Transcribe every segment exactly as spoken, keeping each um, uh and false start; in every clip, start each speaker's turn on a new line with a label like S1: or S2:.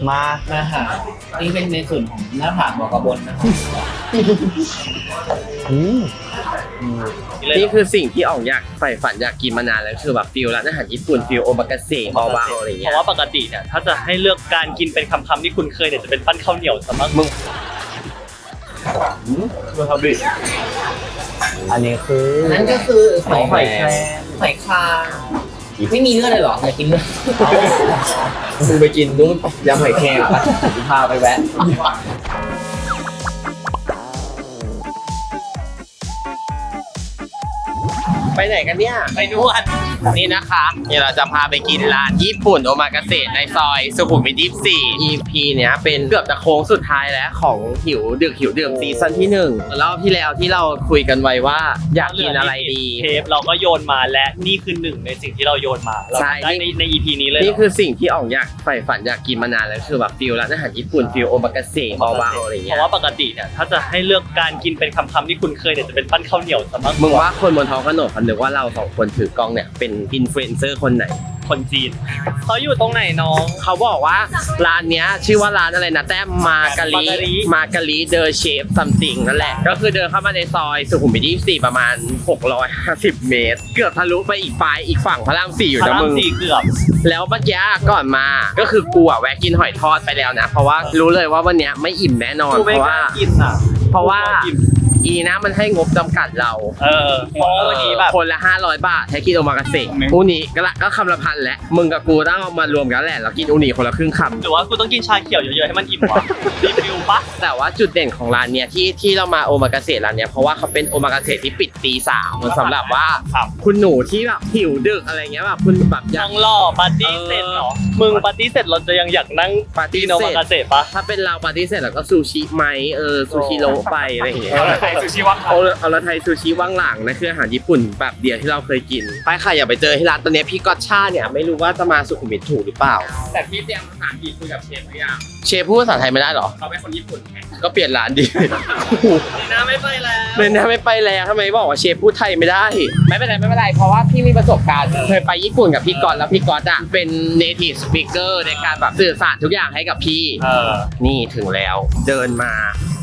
S1: มา
S2: นะฮะนี่เป็นในส่วนของหน้าผากบอกกระบนนะครับ
S3: นี่คือสิ่งที่อ่องอยากใฝ่ฝันอยากกินมานานแล้วคือแบบฟิลร้านอาหารญี่ปุ่นฟิลโอมากาเสะบาวๆอะไรเงี้ย
S4: เพราะว่าปกติเนี่ยถ้าจะให้เลือกการกินเป็นคำๆที่คุณเคยเนี่ยจะเป็นปั้นข้าวเหนียวซะมากมึง
S1: วาซาบิอันนี้คือ
S2: นั่นก็คือหอยหอยแครงหอยคางไม่มีเลือดเลยหรออยากกินเลือด
S1: มึงไปกินนู้นยำหอยแครงปะพาไปแวะ
S3: ไปไหนกันเนี่ยไปนวดนี่นะคะนี่เราจะพาไปกินร้านญี่ปุ่นโอมากาเสะในซอยสุขุมวิทยี่สิบสี่ อี พี เนี้ยเป็นเกือบจะโค้งสุดท้ายแล้วของหิวดึกหิวดื่มซีซั่นที่หนึ่งรอบที่แล้วที่เราคุยกันไว้ว่าอยากกินอะไรดี
S4: เทปเราก็โยนมาและนี่คือหนึ่งในสิ่งที่เราโยนมาเราได้ในใน อี พี นี้เลย
S3: นี่คือสิ่งที่อ่องอยากใฝ่ฝันอยากกินมานานแล้วคือแบบฟิลร้านอาหารญี่ปุ่นฟิลโอมากาเสะบาวๆอะไรเงี้ย
S4: เพราะว่าปกติเนี่ยถ้าจะให้เลือกการกินเป็นคำๆที่คุณเคยเนี่ยจะเป็นปั้นข้าวเหนียวซะมาก
S3: มึงว่าคนบนท้องถนนเขานึกว่าเราสองคนถือกล้องเนี่ยเป็นอินฟลูเอนเซอร์คนไหน
S4: คนจีนเขาอยู่ตรงไหนน้อง
S3: เขาบอกว่าร้านเนี้ยชื่อว่าร้านอะไรนะแต้มมาการีมาการีเดอร์เชฟซัมติงนั่นแหละก็คือเดินเข้ามาในซอยสุขุมวิทยี่สิบสี่ประมาณหกร้อยห้าสิบเมตรเกือบทะลุไปอีกปลายอีกฝั่งพระรามสี่อยู่นะมึง
S4: เกือบ
S3: แล้วเมื่อกี้ก่อนมาก็คือกูอะแวะกินหอยทอดไปแล้วนะเพราะว่ารู้เลยว่าวันเนี้ยไม่อิ่มแน่นอนเพราะว่าเพราะว่าอีนะมันให้งบจำกัดเรา
S4: เออเพราะวันนี้แบบ
S3: คนละห้าร้อยบาทให้กินโอมากาเสะอูนิก็ละก็คำละพันแล้วมึงกับกูต้องเอามารวมกันแหละแล้วกินอูนิคนละครึ่งคำ
S4: หรือว่ากูต้องกินชาเขียวเยอะๆให้มันอิ่มวะรีวิวปะ
S3: แต่ว่าจุดเด่นของร้านเนี้ยที่ที่เรามาโอมากาเสะร้านเนี้ยเพราะว่าเขาเป็นโอมากาเสะที่ปิดตีสามสำหรับว่าคุณหนูที่แบบหิวดึกอะไรเงี้ยแบบคุณแบบ
S4: ยังรอปาร์ตี้เสร็จเหรอมึงปาร์ตี้เสร็จเราจะยังอยากนั่ง
S3: ปาร์ตี้
S4: โอมากาเสะปะ
S3: ถ้าเป็นเราปาร์ตี้เสร็จแล้วก็ซูชิไหมเออซูชิโรไปอะไรอย่างเงี้ย
S4: ซูชิว่าง
S3: เอาละไทยซูชิว่างหลังนะคืออาหารญี่ปุ่นแบบเดียวที่เราเคยกินไปค่ะอย่าไปเจอที่ร้านตอนนี้พี่ก๊อตช่าเนี่ยไม่รู้ว่าจะมาสุขุมวิทถูกหรือเปล่า
S4: แต่พี่เตรียมภาษาอังกฤษคุยกับเชฟหรือยัง
S3: เชฟพูดภาษาไทยไม่ได้หรอ
S4: เขาเป็นคนญี่ปุ่นไง
S3: ก็เปลี่ยนร้านดิ
S4: เลยนะไม่ไปแล้ว
S3: เลยนะไม่ไปแล้วทำไมบอกว่าเชฟพูดไทยไม่ได้ไม่เป็นไรไม่เป็นไรเพราะว่าพี่มีประสบการณ์เคยไปญี่ปุ่นกับพี่ก๊อตแล้วพี่ก๊อตอ่ะเป็น native speaker ในการแบบสื่อสารทุกอย่างให้กับพี่นี่ถึงแล้วเดินมา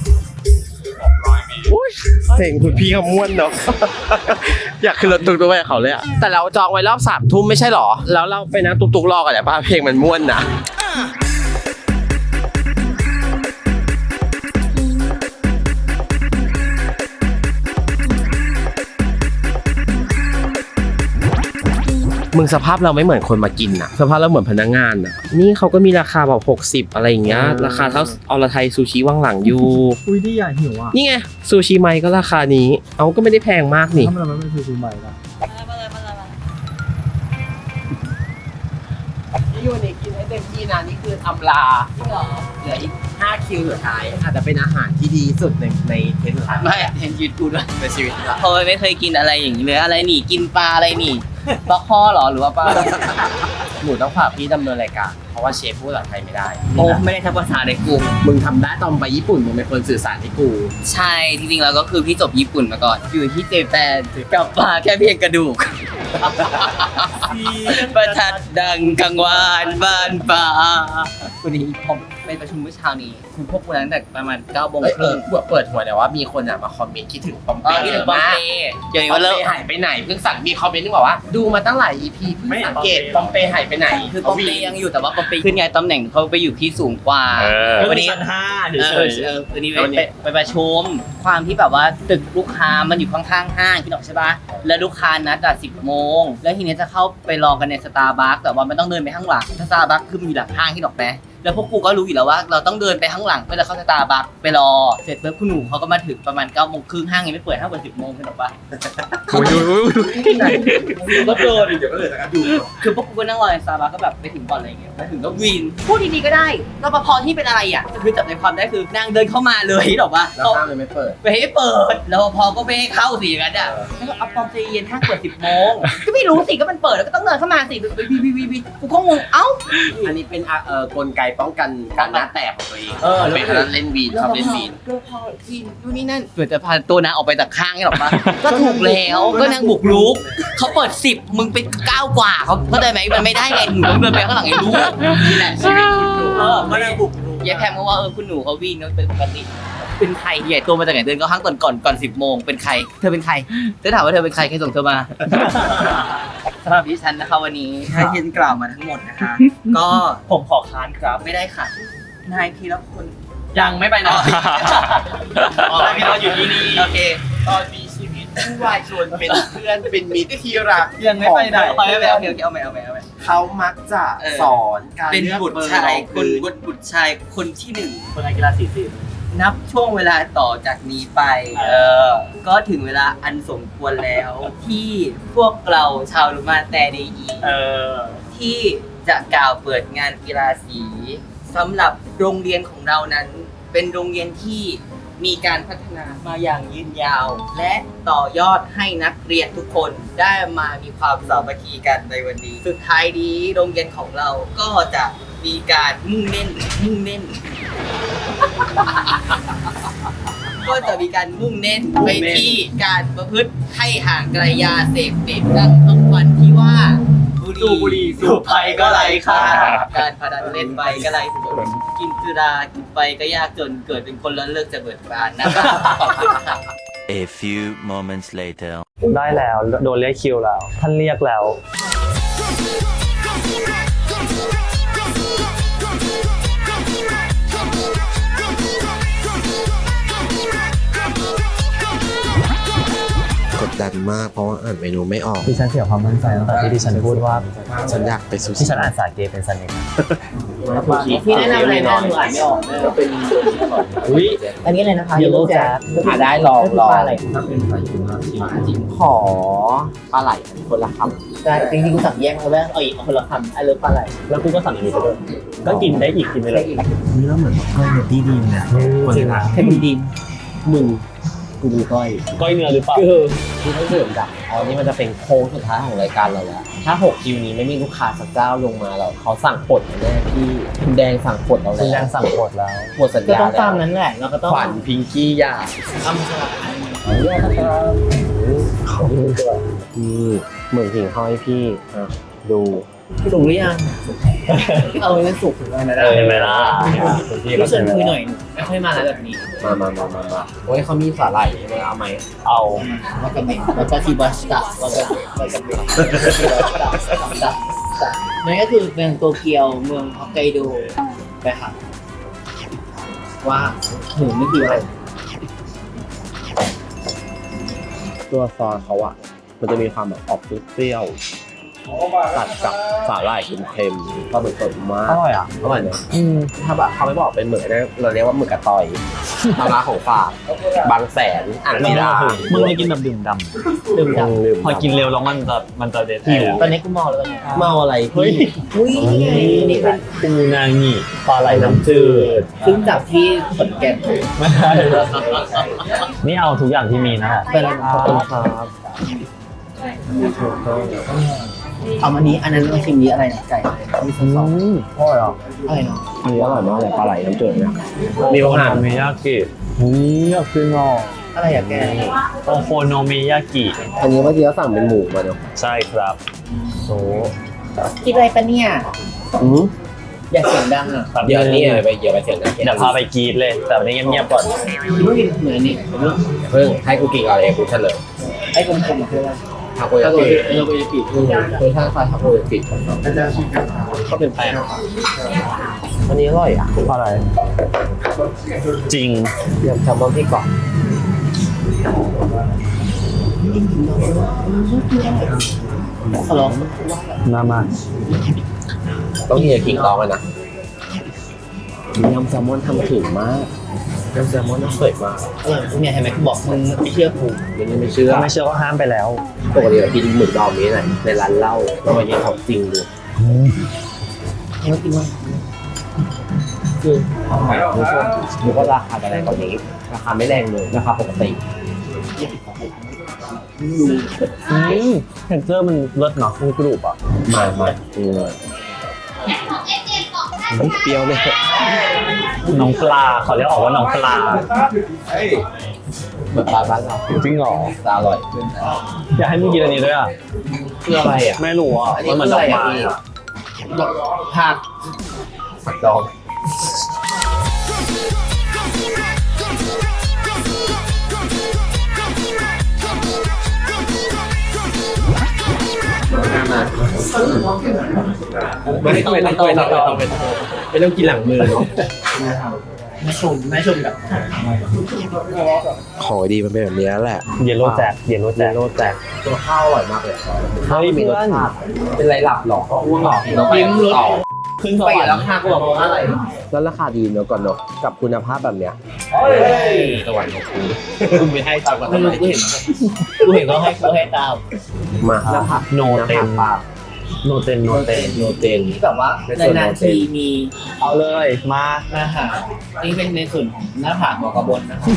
S3: อุ้ยเสียงคุณพี่เขาม้วนเนาะอยากขึ้นรถตุกๆไปเขาเลยอะแต่เราจองไว้รอบสามทุ่มไม่ใช่หรอแล้วเราไปนั่งตุกๆรอกันแต่ป้าเพลงมันม้วนนะมึงสภาพเราไม่เหมือนคนมากินอะสภาพเราเหมือนพนักงานอะนี่เขาก็มีราคาแบบหกสิบอะไรอย่างเงี้ยราคาเท่าอรไทยซูชิว่างหลังอยู่
S1: อุ้ยนี่อยากหิวอ่ะ
S3: นี่ไงซูชิไมก็ราคานี้เอาก็ไม่ได้แพงมากนี่
S1: ทำไมมันไม่ซูชิไมล่ะ
S3: นี่วันนี้กินให้เต็มที่นะนี่คืออำลาเหลืออีกห้าคิวสุดท้ายอาจจะเป็นอาหารที่ดีสุดในในเทนสุดท้าย
S2: ไม่เทนชีวิตกูด้วย
S3: ในชีวิต
S2: เพราะไม่เคยกินอะไรอย่างนี้เลยอะไรนี่กินปลาอะไรนี่ปลาข้อหรอหรือว่าปลา
S3: หนูต้องฝากพี่ดำเนินรายการเพราะว่าเชฟพูดภาษาไทยไม่ได้
S2: โอ้ไม่ได้ทักภาษาในกู
S3: มึงทำได้ตอนไปญี่ปุ่นมึงเป็นคนสื่อสารให้กู
S2: ใช่จริงๆแล้วก็คือพี่จบญี่ปุ่นมาก่อนอยู่ที่เจแปนกับปลาแค่เพียงกระดูกประทัดดังกังวานบ้านป่าวันนี้ผมไปประชุมเมื่อเช้านี้คุณพวกกูตั้งแต่ประมาณเก้าโมงครึ่ง
S3: เปิดหัวแต่ว่ามีคนอ่ะมาคอมเมนต์คิดถึงปอมเป้
S2: คิดถึงปอมเป้
S3: เดี๋ยวนี้ว่าเลิกหายไปไหนเพิ่งสั่งมีคอมเมนต์นึงบอกว่าดูมาตั้งหลาย อี พีเพิ่งสังเกตปอมเป้หายไปไหน
S2: คือปอมเป้ยังอยู่แต่ว่าปอมเป้ขึ้นไงตำแหน่งเขาไปอยู่ที่สูงกว่า
S4: วันนี้ชั้นห้าเดี๋ยว
S2: เออวันนี้ไปไปประชุมความที่แบบว่าตึกลูกค้ามันอยู่ข้างๆห้างพี่ดอกใช่ปะแล้วลูกค้านัดอ่ะสิบโมงแล้วทีนี้จะเข้าไปรอกันในสตาร์บัคแต่ว่ามันต้องเดินไปข้างหลังสตาร์บัคคือมันอยู่หลังห้างพี่ดอกแม่แล้วพวกกูก็รู้อยู่แล้วว่าเราต้องเดินไปข้างหลังเพื่อจะเข้าสตาร์บัคไปรอเสร็จปุ๊บคุณหนูเขาก็มาถึงประมาณเก้าโมงครึ่งห้างยังไม่เปิดห้างเปิดสิบโมงพี่ดอกปะ
S3: โอ้ย
S1: ก็โดนเดี๋ยวก็เลยนะครับอยู่
S2: คือพวกกูก็นั่งรอในสตาร์บัคก็แบบไปถึงก่อนอะไรอย่างเงี้ยไปถึงก็วินพูดดีๆก็ได้รปภที่เป็นอะไรอ่ะคือจับใจความได้คือนางเดินเข้ามาเลยพี่ดอกปะ
S3: แล้วห้างเลยไม่เปิด
S2: ไปให้เปิดรปภก็ไม่ให้เข้าสิอย่างนั้นอ่ะแล้วก็เอาปอมใจเย็นห้างเปิดสิบโมงก็ไม่รู้สิก็มันเปิดแล้วก็ต้องเดินเข้ามาสิวีวีวีวีกูก็งงเอ้า
S3: อันนี้เป็นเอ่อกลไกป้องกันการหน้าแตกของตัวเอง
S2: เออ
S3: เป็นคนเล่นวีนชอบเล่นวีน
S2: แล้วพอที่นู่นนี่นั่นเกิดจะพาตัวนางออกไปจากข้างนี่หรอปะ ก็ถูกแล้วก็นางบุกรุกเขาเปิดสิบมึงไปเก้ากว่าเขาเข้าใจไหมมันไม่ได้ไงหนูต้องเดินไปข้างหลังไอ้รู้นี่แหละชีวิตคุณหนูเออก็นางบุกรุกยายแพมก็ว่าเออคุณหนูเขาวิ่งก็เป็นปกติเป็นใครใหญ่ตัวมาจากไหนเดินก็ข้างก่อนก่อนก่อนสิบโมงเป็นใครเธอเป็นใครเธอถามว่าเธอเป็นใครใครส่งเธอมาสำหรับดิฉันนะคะวันนี้ถ้าเห็นกล่าวมาทั้งหมดนะคะ ก็
S4: ผมขอค้านครับ
S2: ไม่ได้ค่ะนายพีรพล
S4: ยังไม่ไปไหนอ๋อพี่เราอยู่ที่นี่
S2: โอเค
S3: ตอนมีชีวิตผู้วายชนเป็นเพื่อนเป็นมิตรที่รัก
S4: ยังไม่ไปไหน
S2: เอาไปเอาไปเอาไปเอาไปเอาไปเอาไป
S3: เขามักจะสอนการ
S2: เป็น
S3: เลือก
S2: บุตร
S3: เบอร์
S2: ชาย
S3: รอง
S2: คน
S3: พื้น
S2: บุตรบุตรชายคนที่หนึ่ง
S4: คนนักกีฬาสีสิบ
S2: นับช่วงเวลาต่อจากนี้ไป เออ ก็ถึงเวลาอันสมควรแล้ว ที่พวกเราชาวลุมาแต่เดอี
S4: เออ
S2: ที่จะกล่าวเปิดงานกีฬาสีสำหรับโรงเรียนของเรานั้น เป็นโรงเรียนที่มีการพัฒนามาอย่างยืนยาว และต่อยอดให้นักเรียนทุกคนได้มามีความสามัคคีกันในวันนี้ สุดท้ายนี้โรงเรียนของเราก็จะมีการมุ่งเน้นมุ่งเน้น ก็จะมีการมุ่งเน้นไปที่การประพฤติให้ห่างไกลยาเสพติดดังคำขวัญที่ว่า
S4: สูบบุหรี่สูบไฟก็ไร้ค่า
S2: การพนันเล่นไปก็ไร้ผลกินสุรากินไปก็ยากจนเกิดเป็นคนล้นเลิกจะเบิดบานนะครับขอบคุณครับ
S5: A few moments later.
S4: ได้แล้วโดนเรียกคิวแล้ว ท่านเรียกแล้ว
S3: กดดันมากเพราะว่าอ่านเมนูไม่ออก
S6: ดิฉันเสียความมั่นใจตั้งแต่ที่ดิฉันพูดว่า
S3: ฉันอยากไปซูชิ
S6: ที่ฉันอ่านสาเกเป็นสนิท
S2: พี่แนะนำอะไรนะหนูอ่านไม่ออกเลย
S1: ก็เป็น
S6: อุ้ย
S2: อันนี้อะไรนะคะ
S6: Yellow Jack
S1: อ่าได้ลองลอง
S2: ปลาอะไร
S1: ถ้าเป็นปลาอยู่มาชิมขอปลาไหลคนละคำ
S2: ได้จริงๆกูสั่งแยกมาแล้วเอาอีกเอาคนละคำไอ้เลิฟปลาไหล
S4: แล้วกูก็สั่งอันนี้ไปด้วยก็กินได้อีกกินไปเลย
S6: นี่แล้วเหมือนก้อยเนตี้ดีมเนี่ยคนละ
S2: เทมดิน
S6: มึงกูดูก้อย
S4: ก้อยเนื้อหรือเปล่า
S6: ที่ต้องเสริมกับอ๋อนี่มันจะเป็นโค้งสุดท้ายของรายการเราแล้วถ้าหกคิวนี้ไม่มีลูกค้าสักเจ้าลงมาเราเขาสั่งปลดแน่พี่คุณแดงสั่งปลดเราแล้วคุณแดงสั่งปลดแล้วหมดสัญ
S2: ก็
S6: ญา
S2: ต้อง
S6: แล้ว
S2: ตามนั้นแหละเราก็ต้อง
S6: ขวัญพิงกี้ยา
S2: ทำสลับ
S6: เขานี่เหมือนหิ่งห้อยพี่อ่ะดู
S2: ถูกหรือยังเอาเงินสุกถึงวันนั้น
S4: เออเห็นไหมล่ะ
S2: รู้สึกคุยหน่อยไม่ค่อยมาแล้วแบบนี้
S6: มามามามามาโอ้ยเขามีสาหร่ายใช่ไหมเอาไหม
S4: เอา
S2: วากาเมะวากาซิบัสตะวากาวากาเมะนั่นก็คือเมืองโตเกียวเมืองฮอกไกโดไปค่ะว่าหนูไม่คืออะไร
S6: ตัวซอสเขาอะมันจะมีความแบบออกเปรี้ยวๆตัดกับสาหร่ายเค็มๆก็เหมือนสดมาก
S4: อร่อยอ่ะ
S6: อร่อยเนอะถ้าแบบเขาไม่บอกเป็นหมึกนะเราเรียกว่าหมึกกระตอยมาร้านของฝากบางแสนอ่างศิลา
S4: มึงไม่กินแบบดื่มดำ
S2: ดื่มด
S6: ลืม
S4: พอกินเร็วแล้วมันจะมันจะเด็ด
S2: ำตอนนี้กูเมาแล้วตอนนี้
S6: เมาอะไร
S4: เฮ้ย
S6: พี่
S2: อุ้ยนี่เป็น
S4: ปูนางิปลาไหลน้ำจืด
S2: ซึ่งจากที่ขอนแก่น
S4: ไม่ใช่นี่เอาทุกอย่างที่มีนะ
S2: ไปแล้ว
S6: ขอบคุณครับ
S2: เอาอันนี้อันนั้นเราชิมนี้อะไรนะไก่มีซอส
S6: อร่อยอ่ะ
S2: อะไรเนาะ
S6: อันนี้อร่อยมากเลยปลาไหลน้ำจืดเนี่ย
S4: มี
S6: มี
S4: โอ
S6: โอ
S4: นา
S6: หาร
S4: เมยากิ
S6: นี่อยากกินอ่ะ
S2: อะไรอะแก
S4: โอโคโนเมยากิ
S6: อันนี้เมื่อกี้เราสั่งเป็นหมูมาเนาะ
S4: ใช่ครับ
S6: โซ
S2: คิดอะไรปะเนี่ย
S6: อืม
S2: อยากเสียงดังอ่ะ
S6: เดี๋ยวนี้ไปเดี๋ยวไปเสียงนะ
S4: เดี๋ยวพาไปกรีดเลย แต่วันนี้เงียบๆก่อน
S2: รู้ดิเหมือนนี่
S6: เพิ่งให้กูกินก่อนเลยกูเฉลย
S2: ไอ้กลมๆคืออะไร
S6: ทาโกยา
S2: ถ้า
S6: กิ
S2: เราไปปิด
S6: คือคือถ้าใส่ทาโกยากิก็เป็นแป้งอันนี้อร่อยอ่ะ
S4: อะไร จริง
S6: เดี๋ยวแซลมอนที่กรอบ
S2: ขอร้อง
S4: มามา
S6: ต้องเฮียกินลองเลยนะยำแซลมอนทำถึงมากยำแซลมอนน่าสวยมาก
S2: อร่อยเนี่ยเห็นไหมกูบอกมึงไม่เชื่อกู
S6: ยังไม่เชื่อ
S4: ถ้าไม่เชื่อก็ห้ามไปแล้ว
S6: ปกติเรากินหมึกดองนี้ไหนในร้านเหล้าเรามากินของจริงดู
S2: ไม่กินมั้ง
S6: คืออร่อยทุกคนดูว่าราคาจะแรงกว่านี้ ราคาไม่แรงเลยราคาปกติ
S4: อืมเท็กเจอร์มันเลิศเนาะมันกรุบอ่ะ
S6: มามาอืม
S7: ของเอเจนต์บอกได้
S6: ไม่เปรี้ยวเลย
S4: น้องปลาเขาเรียกออกว่าน้องปลา
S6: เหมือนปลาบ้านเรา
S4: จริงเหรอ
S6: แต่อร่อย
S4: อยากให้มึงกินอันนี้ด้วยอ่ะ
S6: คืออะไรอ่ะ
S4: ไม่รู้อ่ะมันเหมือนดอกไม้
S2: ผัก
S6: ผักดอง ไม่ต้องไม่ต้องไม่ต้องไม่ต้องไม่ต้องกินหลังมือเนาะ
S2: แม่ชมแม่ชมกับ
S6: ของดีมันเป็นแบบนี้แหละ
S4: เยลโล่แจ็คเยลโล่แจ็ค
S6: โรแตกตัวข้าวอร่อยมากเลยข้าว
S4: เฮ้ย
S6: มีรส
S4: เพื่อน
S6: ชาติเป็นไรหลับหรอก็อ้วกหรอเราไปต่อ
S4: ขึ้นส
S2: ไป
S4: วรร
S2: แล้ว
S4: ค์
S2: ค่ะกูบอกว่าอะไร
S6: แล้วราคาดีเนอะก่อนเนอะกับคุณภาพแบบเนี้ยสวรรค์ของคุณคุณไม่ให้ตามกัน
S2: ไม่รู้กูเห็นกูเห็นเขาให้กูให้ตาม
S6: มาแล้วผัก
S4: โนเต็ม
S6: ปลา
S4: โนเต็มโนเต็ม
S6: โนเตน
S2: ที่แบบว่านานๆทีมี
S4: เอาเลยมา
S2: อาหารนี่เป็นในส่วนของหน้าผากหัวกระบนนะครับ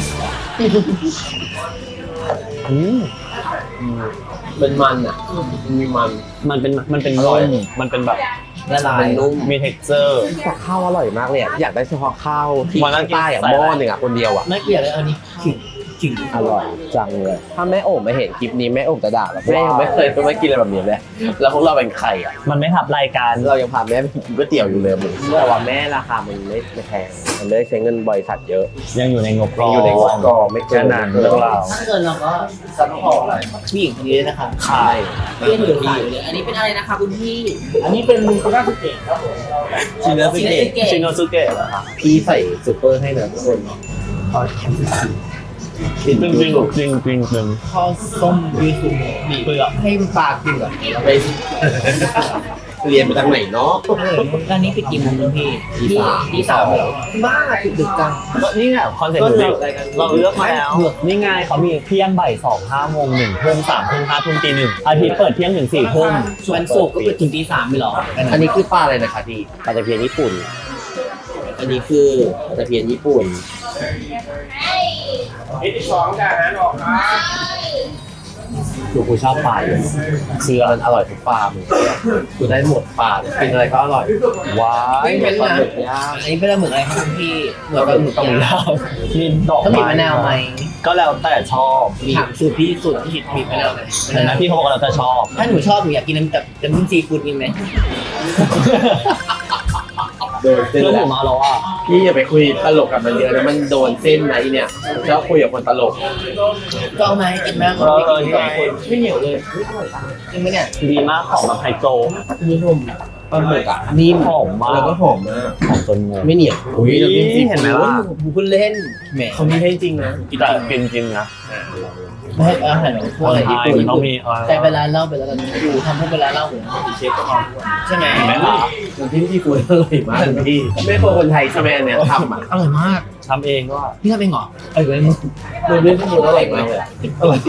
S4: อืม
S6: เป็นมันอ่ะมีมัน
S4: มันเป็นมันเป็น
S6: อร่
S4: นุ่
S6: อย
S4: มมันเป็นแบบ
S2: ละลาย
S6: มันนุ่ม
S4: มี texture
S6: แต่ข้าวอร่อยมากเลยอะอยากได้เฉพาะข้าวที่
S4: วันนั้นกิน
S6: ใต้อะ
S4: ใส่
S6: หม้อ
S4: อะไร
S6: หนึ่งอะคนเดียวอะ
S2: ไม่เกลียดเลยอันนี้ขิงขิง
S6: อร่อยจังเลยถ้าแม่โอ๋ไม่เห็นคลิปนี้แม่โอ๋จะด่าเราแม่ยังไม่เคยไม่กินอะไรแบบนี้เลยแล้วพวกเราเป็นใครอะ
S4: มันไม่ทับรายการ
S6: เรายังพาแม่ไปกินก๋วยเตี๋ยวอยู่เลยมึงแต่ว่าแม่ราคามันไม่ไม่แพงมันไม่ได้ใช้เงินบริษัทเยอะ
S4: ยังอยู่ในงบก
S6: ยั
S4: อง ง
S6: อยู่ในงบกองไม่เกิ
S4: แค่นั้นเรื่องราว
S2: ถ้าเกินเราก็ซัพพอร์ตผู้หญิงคนนี้ด้วยนะคะ
S4: ขาย
S2: เพื่อนถือขายอยู่เลยอันนี้เป็นอะไรนะคะคุณพี่ อันนี้เป็นมูคาราสุเกะครับผม
S6: ชินเนอร์
S2: ชิ
S6: ซิ
S2: น
S6: เก
S2: เนเกะ
S4: ชิโนซุเกะเหรอคะ
S6: พี่ใส่ซูเปอร์ให้นะทุกคน
S4: จริงจริงจริงจริงจริง
S2: ข้าวส้มยูสุบีเปลือกให้ปลากินก่อน
S6: ไปเรียนไปทางไหนเนาะ
S2: ร้านนี้ปิดกี่โมงคุณพี่
S6: ตีสาม
S2: ตีสามเหรอบ้าปิดดึกจัง
S4: ก็นี่ไงคอนเซ็ปต์เราเราเลือกมาแล้วนี่ไงเขามีเที่ยงบ่ายสองห้าโมงหนึ่งทุ่มสามทุ่มห้าทุ่มตีหนึ่งอาทิตย์เปิดเที่ยงถึงสี่ทุ่ม
S2: วันศุกร์ก็ปิดถึงตีสามไม่หรอ
S6: อันนี้คือปลาอะไรนะคะพี่ปลาตะเพียนญี่ปุ่น อันนี้คือปลาตะเพียนญี่ปุ่นหนูกูชอบปลาอยู่คือมันอร่อยทุกปลามึงกูได้หมดปลากินอะไรก็อร่อยว้าย
S2: ไม่เป็น
S6: ปลา
S2: นะ
S6: หมึกย่าง
S2: อันนี้เป็นอะไรหมึกอะไรครับคุณพี่เหมือนกับหมึก
S4: ต้อง
S2: ยาว
S4: มีดอก
S2: ต้องมีมะนาวไหม
S4: ก็แล้วแต่ชอบ
S2: ถามสูตรพี่สูตรที่มีมะนาวไหม
S4: เห็นไหมพี่เขาบอกว่าเราจะชอบ
S2: ถ้าหนูชอบหนูอยากกินน้ำแบบน้ำจิ้มซีฟู้ดกินไหม
S6: โดนเส้น
S4: เรื่องห
S6: แล้
S4: มู
S6: ว
S4: มาแล้วอ่ะ
S6: พี่อย่าไปคุยตลกกับมันเยอะนะมันโดนเส้นไหนเนี่ยชอบคุยกับคนตลก
S2: ก็เอามาให้กินมาก
S4: เออเออนี่ไง
S2: ไม่เหนียวเลยจริงไหมเนี่ย
S4: ดีมากของแบบไฮโซ
S2: นี่นม
S6: ปลาหมึกอ่ะ
S4: นี่หอมมาก
S6: แล้วก็หอมมาก
S4: หอมจนงง
S6: ไม่เหนียวอุ้ยน้ำจิ้มซี
S4: เห็นไหม
S6: ฟู้ด
S4: ล่ะ
S2: กูเพิ่งเล่นแหม
S6: เขามีให้จริงนะ
S4: แต่กินจริงนะ
S2: ไม่ให้อาหารพวกอะไรญี่
S4: ใช่
S2: ปุ่น
S4: มันต้องมีเออ
S2: แต่เวลาเล่าไปแล้วกันกูทำพวกเวลาเล่าเหมือนเชฟก็มาใช่ไหม
S4: เห็นไหมล่ะ
S6: น้ำจิ้มซีฟู้ดอร่อยมากพี่ไม่พอคนไทยใช่ไหมอันเนี้ยทำอ่ะ
S2: อร่อยมาก
S4: ทำเองก็
S2: พี่ทำเองเหรอเออเว้ย
S6: มันไม่ซีฟู้ดอร่อยมากเลยอะอร่อย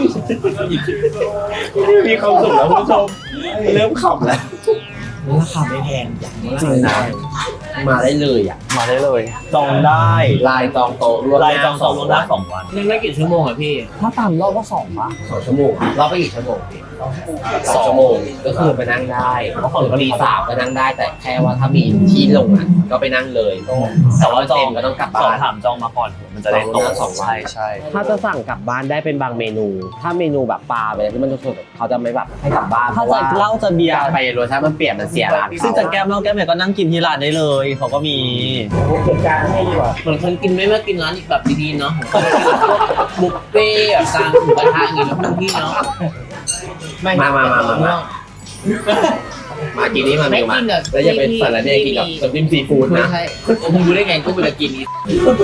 S6: มีความสุขแล้วคุณผู้ชมเริ่มขำแล้ว
S2: ราคาไม่แพงอย่าง
S6: จริงนะมาได้เลยอ่ะ
S4: มาได้เลย จองได้
S6: ลายจองโต๊ะล่วงห
S4: ราย
S6: น้า
S4: จองโซนลงได้สองวัน
S2: นั่งได้กี่ชั่วโมงอ่ะพี่
S4: ถ้าตามรอบก็สองปะ
S6: สองชั่วโมงเราไปกี่ชั่วโมงพี่สองชั่วโมงก็คือไปนั่งได้เพราะคนตีสามก็นั่งได้แต่แค่ว่าถ้ามีที่ลงอ่ะก็ไปนั่งเลยแต่ว่าเต็มก็ต้องกลับ
S4: สอ
S6: บ้าง น
S4: ถามจองมาก่อนมันจะได้ตรง
S6: สองวัน
S4: ใช่ใช่
S6: ถ้าจะสั่งกลับบ้านได้เป็นบางเมนู ถ้าเมนูแบบปลาไปที่มันสดๆเขาจะไม่แบบให้กลับบ้าน
S4: ถ้าจะเหล้าจะเบียร์
S6: ไปรสชาติมันเปลี่ยนมันเสียร้าน
S4: ซึ่งจะแก้มเหล้าแก้มเนี่ยก็นั่งกินที่ร้านได้เลยเขาก็มี
S2: เหมือนคนกินไม่มากินร้านอีกแบบดีๆเนาะบุฟเฟ่แบบกลางหมูกระทะอย่างเงี้ยนะพี่เนาะ
S6: มามามามามามากินนี่มา
S2: ไม่
S6: เมนูมา
S2: กินอ่ะ
S6: แล้วอย่าไปสารแหน่กินกับน้ำจิ้มซีฟู้ด
S2: ไม่
S6: นะ
S2: ใช่มึงรู้ได้ไงกูจะกินนี้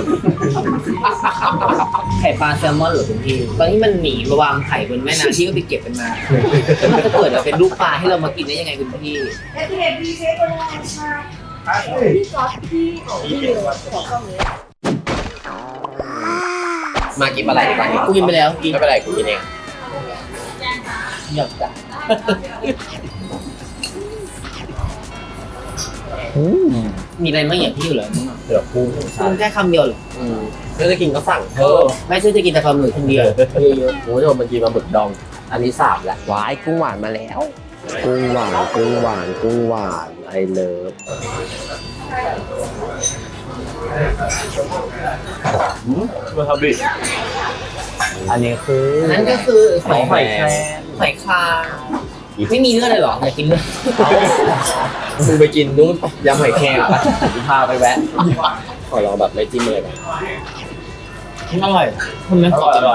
S2: ไข่ปลาแซลมอนเหรอคุณพี่ตอนที่มันหนีมาวางไข่บนแม่น้ำที่ก็ไปเก็บมันมาแล้วมันจะเกิดมาเป็นลูกปลาให้เรามากินได้ยังไงคุณพี่
S7: และที่เห็นพี่เชฟคนแรกมาพี่ก๊อตพี่ของพี่เลยของกล้องนี้
S6: มากินอะไรดีกว่า
S2: กูกินไปแล้วกิน
S6: ไม่เป็นไรกูกินเอง
S2: หยอกจ้ะมีอะไรไม่อย่างพี่อยู่เหรอ
S6: เดี๋ยวกุ้ง
S2: มึงแค่คำเดียวเหรอ
S6: อืมถ้าจะกินก็สั่ง
S2: เออไม่ใช่จะกินแต่ปลาหมึกคนเดียว
S6: เยอะๆโอ้ยมันกินมาบึกดอง อันนี้สามแหละว้ายกุ้งหวานมาแล้ว กุ้งหวานกุ้งหวานกุ้งหวานไอเลิฟ
S4: วาซาบิอันนี้คือ
S2: นั่นก็คือ
S4: หอยแครง
S2: หอยคลางไม่มีเลือดเลยเหรออยากกินเลือด
S1: มึงไปกินนู้นไปยำหอยแครงไปพาไปแวะขอลองแบบไม่จิ้มเลยนะ
S2: อร่อยคุณมันกรอบอร่อย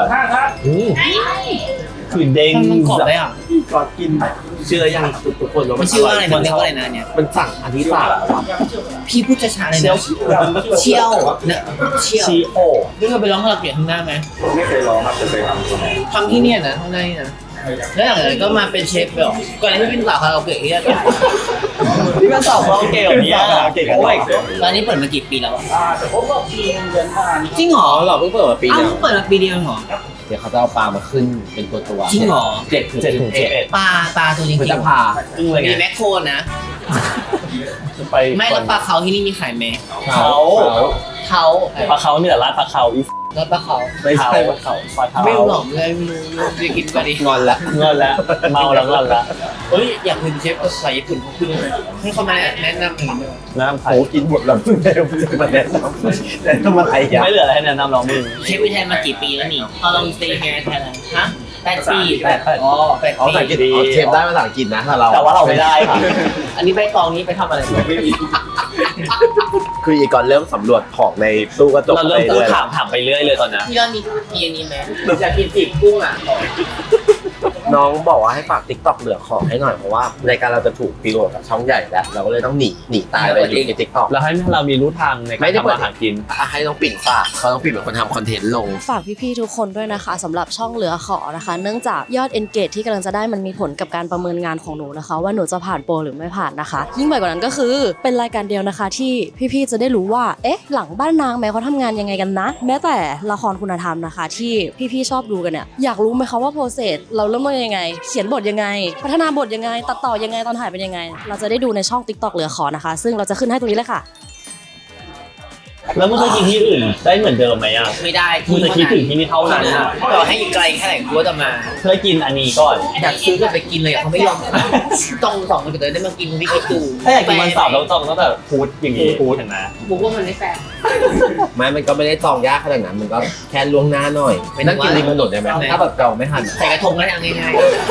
S4: คือเด้ง
S2: มันกรอบได้อ่ะ
S1: ก็กินเชื่อยังทุกคนว่า
S2: มันชื่อว่าอะไรมันเรียกว่าอะไรนะเนี่ย
S1: มันสั่งอันที่สาม
S2: พี่พูดช้าๆเลยนะเชี่ยวนะเชี่ยว
S4: ชีโอ
S2: นี่เราไปร้องคาราโอเกะข้างหน้าไหม
S1: ไม่เคยลองครับจะไปทำ
S2: ทำที่เนี่ยนะข้างในนี่นะแล้วหลังจากนั้นก็มาเป็นเชฟไปหรอก่อนหน้านี้เป็นสาวคาราโอเกะที่นี่
S4: ที่มันสอบเราเก่งแบบนี้เราเก่งกันด้วย
S2: ตอนนี้เปิดมากี่ปีแล้วจริงเหรอ
S1: อ๋อเหรอเพิ่งเปิดมาปี
S2: อ้าว
S1: เดียว
S2: เพิ่งเปิดมาปีเดียวเหรอ
S6: เดี๋ยวเขาจะเอาปลามาขึ้นเป็นตัวตัวๆ
S2: จริงเหรอ
S6: เจ็ดถึง
S4: เจ็ดถึง
S6: เจ็ด
S4: เจ็ด
S2: ปลาปลาตัวจริง
S6: พฤ
S2: ๆ
S6: ษภา
S4: อึ้งเลยไง
S2: มีแมคโครนะ
S4: จะไป
S2: ไม่แล้วปลาเขาที่นี่มีขายไหม
S4: เขา
S2: เขา
S4: ปลาเขาเนี่ยร้านปลาเขาอี
S2: แล้วปลาเขา
S4: ไม่ใช่ปลาเขาปลาเขา
S2: ไม่รู้หรอกเลยไม่รู้จะกินก็ดี
S1: งอนละ
S4: เงินแล้วเมาแล้วเงินแล้ว
S2: เฮ้ยอยากเป็นเชฟภาษาญี่ปุ่นเขาขึ้นเลยให้เขามาแนะนำหนึ่งด้วย
S4: น้ำไผ่
S1: โอ้กินหมดแล้วเพิ่งได้เพิ่งมาแนะนำแต่ต้องมาไทยยา
S4: ไม่เหลืออะไรให้แนะนำเรามึง
S2: เชฟวิทยมากี่ปีแล้วนี่ How long stay here in Thailand ฮะแปดปีแปดอ๋อแปด
S1: อ๋อภาษาอัง
S2: ปี
S1: กฤษอ๋อเชฟได้ภาษาอังกฤษนะถ้าเรา
S4: แต่ว่าเราไม่ได้ค่ะ
S2: อันนี้ใบตองนี้ไปทำอะไร
S1: ไม่มีคืออีกก่อนเริ่มสำรวจของในตู้กระจก
S4: เราเริ่ม
S1: ไป
S4: พูด
S1: เรื่อย
S4: ถามถามไปเรื่อยเลยตอนนี้
S2: พี่ยอดมีมีอันนี้ไหมอยากกินปีกกุ้งอ่ะ
S1: น้องบอกว่าให้ฝากติ๊กต็อกเหลือของให้หน่อยเพราะว่ารายการเราจะถูกฟีโรกับช่องใหญ่แล้วเราก็เลยต้องหนีหนีตายไปอยู่ในติ๊กต็อก
S4: เราให้เรามีรู้ทางในการทำอาหารกิน
S1: ให้น้องปิ่นฝากเขาต้องปิ่นเป็นคนทำคอนเทนต์ลง
S8: ฝากพี่ๆทุกคนด้วยนะคะสำหรับช่องเหลือขอนะคะ เนื่องจากยอด engage ที่กำลังจะได้มันมีผลกับการประเมินงานของหนูนะคะ ว่าหนูจะผ่านโปรหรือไม่ผ่านนะคะ ยิ่งไปกว่านั้นก็คือเป็นรายการเดียวนะคะ ที่พี่ๆจะได้รู้ว่าเอ๊ะหลังบ้านนางแม้เขาทำงานยังไงกันนะ แม้แต่ละครคุณธรรมนะคะ ที่พี่ๆชอบดูกันเนี่ยอยากรู้ไหมคะว่าโปรเซสเราเริ่มต้นยังไง เขียนบทยังไง พัฒนาบทยังไงตัดต่อยังไงตอนถ่ายเป็นยังไง เราจะได้ดูในช่อง TikTok เหลือขอนะคะ ซึ่งเราจะขึ้นให้ตรงนี้เลยค่ะ
S4: แล้วมึงเคยกินที่อื่นได้เหมือนเดิมไหมอ่ะ
S2: ไม่ได้
S4: มึงจะคิดถึงที่นี่เท่านั้นอ่ะ
S2: ต่อให้อยู่ไกลแค่ไหนกูก็จะมา
S4: เคยกินอันนี้ก่อน
S2: อยากซื้อก็ไปกินเลยอะเขาไม่ยอมต้องสองคนจะได้มากินคุณพี่คิดดู
S4: ถ้าอยากกินวันเสาร์เราต้องตั้งแต่พูดอย่างนี้พูดเห็นไหม
S2: บุกว่ามันไม่แฟร์
S1: ไม่มันก็ไม่ได้จองยากขนาดนั้น มันก็แค่ล่วงหน้าหน่อย ไม่นั่งกินริมถนนได้ไหมถ้าแบบจองไม่ทัน
S2: ใส่กระทงแล้วทำง่าย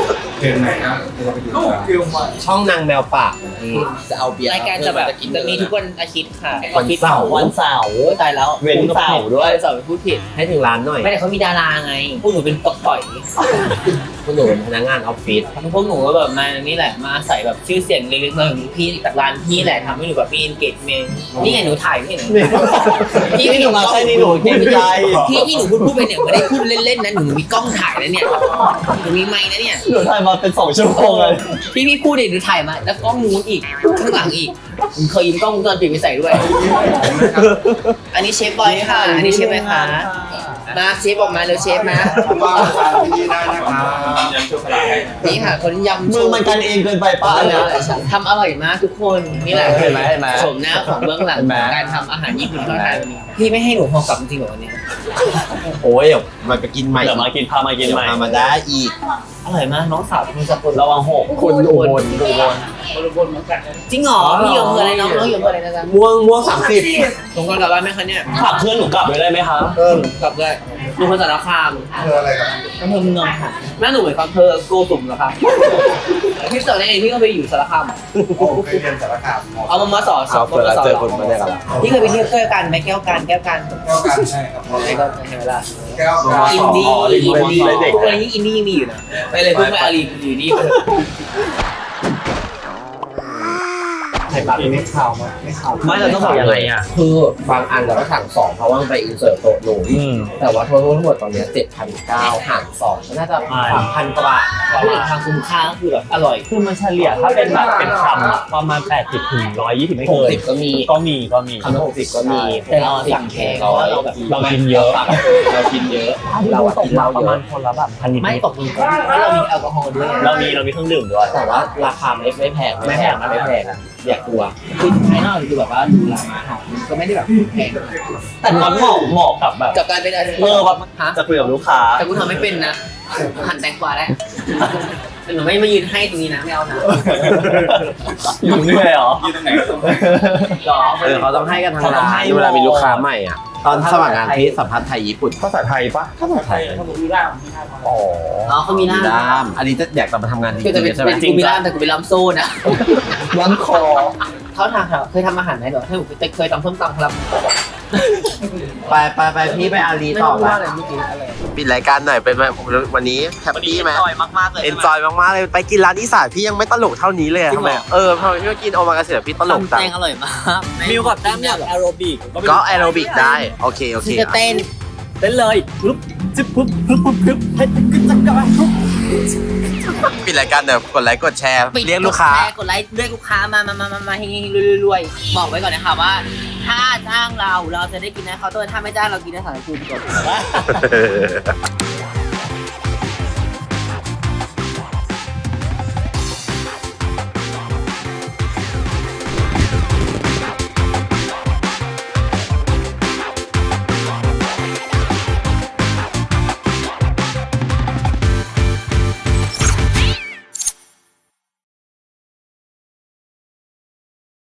S1: ช่องนางแมวป่าที่จะเอาเบียร์
S2: ๆรายการจะแบบจะมีทุกวันอาทิตย์ค่ะ
S1: วันเสาร์
S4: วันเสาร์
S2: โอ้ยตายแล้ว
S4: เว้นเสาร์ด้วย
S2: เสาร์พูดผิด
S1: ให้ถึงร้านหน่อย
S2: ไม่แต่เขามีดาราไง พวกหนูเป็นตกต่อย
S1: คุณหนูเป็นพนักงานออฟฟิศ
S2: พวกหนูก็แบบมานี่แหละ มาใส่แบบชื่อเสียงเล็กๆน้อยๆของพี่จากร้านพี่แหละทำให้หนูแบบมี engagement นี่ไงหนูถ่ายพี่หนู
S4: นี่หนูมาใช่นี่หนูเก่งใจ
S2: พี่ที่หนูพูดพูดไปเนี่ยไม่ได้พูดเล่นๆนะหนูมีกล้องถ่ายนะเนี่ยหนูมีไมค์นะเนี่ย
S4: หนูถ่ายมาเป็นสองชั่วโมงเลย
S2: พี่พี่พูดเนี่ยหนูถ่ายมาแล้วกล้องนู้นอีกข้างหลังอีกผมเคยยืมกล้องวงจรปิดไปใส่ด้วย อันนี้เชฟบอยค่ะ อันนี้เชฟไหมคะมาเชฟออกมาเร็วเชฟมานี่ค่ะคนยำ
S4: มึงมันกันเองเกินไปป้าเนี่ย
S2: ทำอร่อยมากทุกคนนี่แหละ
S4: เห็นไหมเห็นไหม
S2: ชมหน้าของเบื้องหลัง
S4: เห็นไหม
S2: การทำอาหารญี่ปุ่นของไทยวันนี้พี่ไม่ให้หนูพอกลับจริงๆเหรอวันนี้
S1: โอ้ยเดี๋ยวมันไปกินใหม่
S4: เดี๋ยวมากินพามากิน
S1: เดี๋ยว
S4: ใหม่
S1: มามาได้อีก
S2: อร่อยมากน้องสาวคุณสกุล
S4: ระวังหก
S1: คุณอุบลอุบล
S2: จริงเหรอพี่อยู่อำเภออะไรน้องน้องอยู่อำเภออะไรนะจ๊ะ
S1: ม่วงม่วงสามสิบ
S2: สงกรานต์กลับบ้านไหมคะเนี่ย
S4: ฝากเพื่อนหนูกลับด้วยได้ไหมคะ
S1: เออก
S2: ลับได้ดูคนสารคาม
S1: เธออะไรครับ
S2: อำเภอเมืองค่ะแม่หนูเหมือนอำเภอโกสุมเหรอครับพี่สอนได้ไงพี่ก็ไปอยู่สารคาม
S1: เคยเรียนสารคาม
S2: เอามามาสอน
S1: เอาเปิดแล้วเจอคนมาได้ครับ
S2: พี่เคยไปเที่ยวแก้วกันไหมแก้วกันแก้วกัน
S1: แก้วกันใช่ครับ
S2: ไม่ก็ใช่ไหมล่ะ
S1: แก้ว
S2: อินดี้อินดี้
S1: เด็ก
S2: ทุกวันนี้อินดี้ยังมีอยู่นะไปเลยเพิ่งไปอารีอยู่นี่
S1: ไข่ปลาเป็นไม่ขาวมั้ยไม่ขาว
S4: ไม่เราต้องบอกยังไงอ่ะ
S1: คือบางอันเราก็สั่งสองเพราะว่ามันไปอินเสิร์ตโต๊ะหนู
S4: อืม
S1: แต่ว่าทั้งทั้งหมดตอนนี้เจ็ดพันเก้าหารสองน่าจะสามพันกว่าบาท
S2: พูดถึงทางคุ้มค่าก็คือแบบอร่อย
S4: คือมันเฉลี่ยถ้าเป็นแบบเป็นคำอะประมาณแปดสิบถึงหนึ่งร้อยยี่สิบไม่
S1: หก
S4: เกิน
S1: สิบก็มี
S4: ก็มีก็มี
S1: คำละหกสิบก็มี
S2: แต่เราสั่งแพงเพราะว่าเราแบบ
S4: เรากินเยอะ
S1: เรากินเยอะ
S4: เรา
S1: เรา
S4: ตก
S1: กิน
S4: มา
S1: เรา
S4: ประ
S1: เย
S4: มา
S1: อะ
S4: ณคนละแบบพันนิด
S2: ไม่ตกมือเพราะเรามีแอลกอฮอล์ด้วย
S4: เรามีเรามีเครื่องดื่มด้วย
S1: แต่ว่าราคาไม่ไม่แพง
S4: ไม่แพง
S1: ไม่แพงอยากกลัว
S2: คือภายนอกคือแบบว่าดูราคาอาหารมันก็ไม่ได้แบบแพง
S4: แต่มันเหมาะเหมาะกับแบบ
S2: กับการเป็นอะไร
S4: เออแบบ
S2: ฮะ
S4: จะคุยกับลูกค้า
S2: แต่กูทำไม่เป็นนะหั่นแตงกวาได้แต่หนูไม่มายืนให้ตรงนี้นะไม่เอานะ
S4: อยู่เหนื่อยเหรอ
S9: ยืนตรงไหนก็ตรงนั้น
S2: หรอ
S1: เออเขาต้องให้กันทาง
S4: เขาต้อ
S1: ร้าง
S4: ให้
S1: นเวลามีลูกค้าใหม่อ่ะตอนสมัครงานที่สัมพันธ์ไทยญี่ปุ่น
S4: ภาษาไทยปะภาษาไทยอ๋อ
S2: อ๋อเขามีหน้า
S1: ด้ามอันนี้จะอยากจะมาทำงานจริ
S2: คือจะเป็น
S1: งๆใช่ไหม
S2: เป็นกูมีล่ามแต่กูเป็นล่ามโซ่นะ
S4: ร้านคอ
S2: เขาทางค่ะเคยทำอาหารไหมเหรอถ้าหนูเคยตำส้มตำครับ
S1: ไปไปไปพี่ไปอารี
S2: ไม่
S1: ต่อ
S2: รู้
S1: ไป
S2: ว่าอะไรเมื่อกี้อะไร
S1: ปิดรายการหน่อยเป็นไงวันนี้แฮปปี้ไหม
S2: มากๆเลย
S1: เอนจอยมากๆเลยไปกินร้านอีสานพี่ยังไม่ตลกเท่านี้เลยอะทำไมเออทำไมพี่มากินโอมากาเสะพี่ตลกจัง
S2: แตงอร่อยมาก
S9: มิวกับตั้มอยากแอโรบิก
S1: ก็แอโรบิกได้โอเคโอเค
S2: ที่จะเต้น
S9: เต้นเลยปุ๊บจิ๊บปุ๊บปุ๊บปุ๊บปุ๊บเฮ้ยกึ๊กจักกะปุ๊บ
S1: ปิดรายการเดี๋ยวกดไลค์กดแชร์
S2: ปิด
S1: เรียกลูกค้า
S2: แชร์กดไลค์เรียกลูกค้ามามามามามาเฮงๆรวยๆบอกไว้ก่อนนะคะว่า ถ้าจ้างเราเราจะได้กินนะเคาน์เตอร์ถ้าไม่จ้างเรากินในสถานกูดีกว่า